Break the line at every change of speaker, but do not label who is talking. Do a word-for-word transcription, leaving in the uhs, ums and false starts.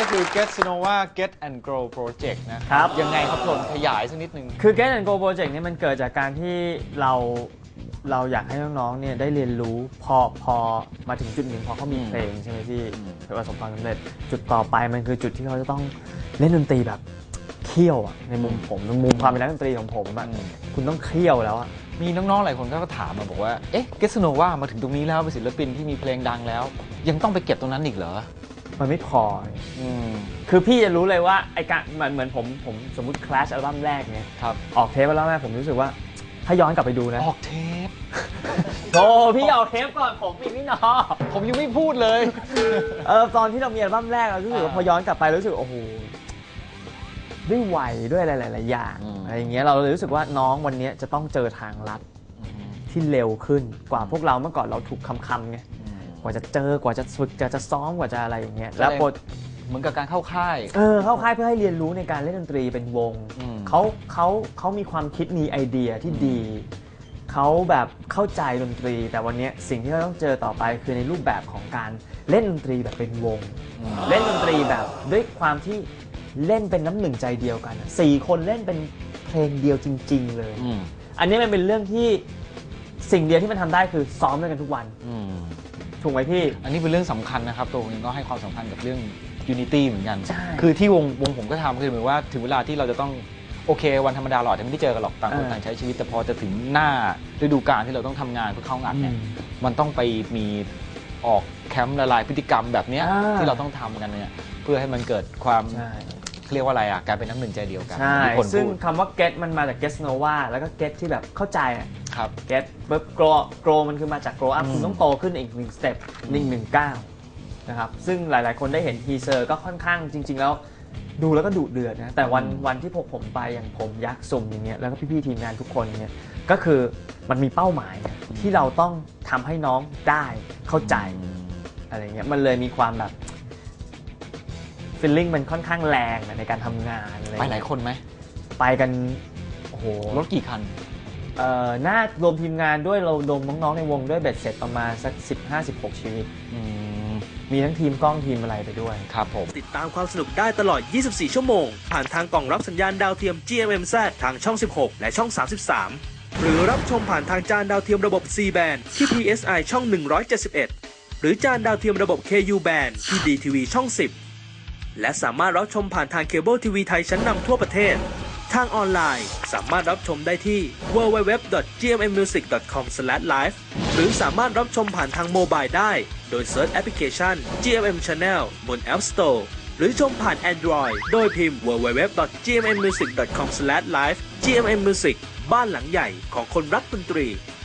คือ Get Sonova Get and Grow Project นะครับยังไงครับทนขยายสักนิดนึง
คือ Get and Grow Project นี่มันเกิดจากการที่เราเราอยากให้น้องๆเนี่ยได้เรียนรู้พอพอมาถึงจุดหนึ่งพอเขามีเพลงใช่ไหมพี่ประสบความสำเร็จจุดต่อไปมันคือจุดที่เขาจะต้องเล่นดนตรีแบบเคี่ยวอ่ะในมุมผมในมุมความเป็นนักดนตรีของผมอ่ะคุณต้องเคี่ยวแล้วอ่ะ
มีน้องๆหลายคนก็ถามมาบอกว่าเอ๊ะ Get Sonova มาถึงตรงนี้แล้วเป็นศิลปินที่มีเพลงดังแล้วยังต้องไปเก็บตรงนั้นอีกเหรอ
มันไม่พอคือพี่จะรู้เลยว่าไอ้การเหมือนเหมือนผมผมสมมุติ Clash อัลบั้มแรกเนี่ยออกเทปอัลบั้มแรกผมรู้สึกว่าถ้าย้อนกลับไปดูนะ
ออกเทป
โอ้พี่ออกเทปก่อนผมอีกนี่เนาะ
ผมยังไม่พูดเลย
เออตอนที่เรามีอัลบั้มแรกเรารู้สึกว่าพอย้อนกลับไปรู้สึกโอ้โหด้วยวัยด้วยหลายๆอย่างอะไรอย่างเงี้ยเราเลยรู้สึกว่าน้องวันนี้จะต้องเจอทางลัดที่เร็วขึ้นกว่าพวกเราเมื่อก่อนเราถูกคำๆไงกว่าจะเจอกว่าจะฝึกจะจะซ้อมกว่าจะอะไรอย่างเงี้ยแล้ว
เหมือนกับการเข้าค่าย
เออเข้าค่ายเพื่อให้เรียนรู้ในการเล่นดนตรีเป็นวงเขาเขาเขามีความคิดมีไอเดียที่ดีเขาแบบเข้าใจดนตรีแต่วันนี้สิ่งที่เราต้องเจอต่อไปคือในรูปแบบของการเล่นดนตรีแบบเป็นวงเล่นดนตรีแบบด้วยความที่เล่นเป็นน้ำหนึ่งใจเดียวกันสี่คนเล่นเป็นเพลงเดียวจริงๆเลยอันนี้มันเป็นเรื่องที่สิ่งเดียวที่มันทำได้คือซ้อมด้วยกันทุกวันถูกไหมพี่
อันนี้เป็นเรื่องสำคัญนะครับตัวผมเองก็ให้ความสำคัญกับเรื่อง Unity เหมือนกันคือที่วงวงผมก็ทำคือเหมือนว่าถึงเวลาที่เราจะต้องโอเควันธรรมดาเราจะไม่ได้เจอกันหรอกต่างคนต่างใช้ชีวิตแต่พอจะถึงหน้าฤดูกาลที่เราต้องทำงานเพื่อเข้างานเนี่ยมันต้องไปมีออกแคมป์ละลายพฤติกรรมแบบนี้ที่เราต้องทำกันเนี่ยเพื่อให้มันเกิดความเรียกว่าอะไรอ่ะการเป็นน้ำหนึ่งใจเดียวกัน
ใช่ซึ่งคำว่า get มันมาจาก Get Sonova แล้วก็ get ที่แบบเข้าใจอ่ะ
ครับ
get ปุ๊บ grow grow มันคือมาจาก grow up คุณต้องโตขึ้นอีกหนึ่งสเต็ปหนึ่งหนึ่งก้าวนะครับซึ่งหลายๆคนได้เห็นทีเซอร์ก็ค่อนข้างจริงๆแล้วดูแล้วก็ดุเดือดนะแต่วันวันที่พวกผมไปอย่างผมยักษ์สุ่มอย่างเงี้ยแล้วก็พี่ๆทีมงานทุกคนเนี่ยก็คือมันมีเป้าหมายที่เราต้องทำให้น้องได้เข้าใจอะไรเงี้ยมันเลยมีความแบบฟีลลิ่งมันค่อนข้างแรงในการทำงานอะไร
ไปหลายคนไหม
ไปกันโอ้โห
รถกี่คัน
เอ่อน่ารวมทีมงานด้วยเรารวมน้องๆในวงด้วยเบ็ดเสร็จประมาณสัก สิบห้าสิบหก ชีวิตมีทั้งทีมกล้องทีมอะไรไปด้วย
ครับผม
ติดตามความสนุกได้ตลอดยี่สิบสี่ชั่วโมงผ่านทางกล่องรับสัญญาณดาวเทียม จี เอ็ม เอ็ม แซด ทางช่องสิบหกและช่องสามสิบสามหรือรับชมผ่านทางจานดาวเทียมระบบ ซี แบนด์ ที่ พี เอส ไอ ช่องหนึ่งร้อยเจ็ดสิบเอ็ดหรือจานดาวเทียมระบบ เค ยู แบนด์ ที่ ดี ที วี ช่องสิบและสามารถรับชมผ่านทางเคเบิลทีวีไทยชั้นนำทั่วประเทศทางออนไลน์สามารถรับชมได้ที่ ดับเบิลยู ดับเบิลยู ดับเบิลยู ดอท จี เอ็ม เอ็ม มิวสิก ดอท คอม สแลช ไลฟ์ หรือสามารถรับชมผ่านทางโมบายได้โดยเซิร์ชแอปพลิเคชัน จี เอ็ม เอ็ม Channel บน App Store หรือชมผ่าน Android โดยพิมพ์ ดับเบิลยู ดับเบิลยู ดับเบิลยู ดอท จี เอ็ม เอ็ม มิวสิก ดอท คอม สแลช ไลฟ์ จี เอ็ม เอ็ม Music บ้านหลังใหญ่ของคนรักดนตรี